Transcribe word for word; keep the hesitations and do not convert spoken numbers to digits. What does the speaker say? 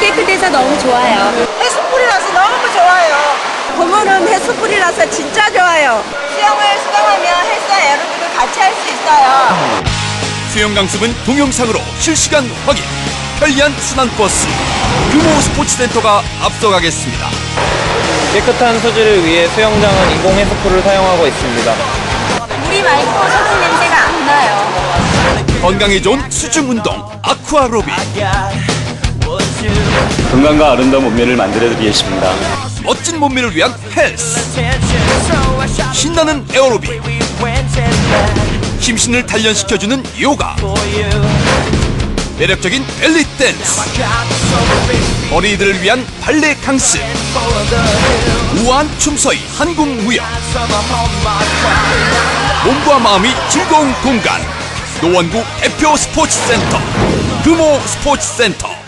깨끗해서 너무 좋아요. 해수풀이라서 너무 좋아요. 봄은 해수풀이라서 진짜 좋아요. 수영을 수강하면 헬스와 에어로빅을 같이 할 수 있어요. 수영 강습은 동영상으로 실시간 확인. 편리한 순환버스 규모 스포츠센터가 앞서가겠습니다. 깨끗한 수질을 위해 수영장은 인공 해수풀을 사용하고 있습니다. 물이 맑고 석유 냄새가 안 나요. 건강에 좋은 수중 운동 아쿠아로빅. 건강과 아름다운 몸매를 만들어드리기 위해십니다. 멋진 몸매를 위한 헬스. 신나는 에어로빅. 심신을 단련시켜주는 요가. 매력적인 벨리 댄스. 어린이들을 위한 발레 강습. 우아한 춤서의 한국 무용. 몸과 마음이 즐거운 공간. 노원구 대표 스포츠센터 규모 스포츠센터.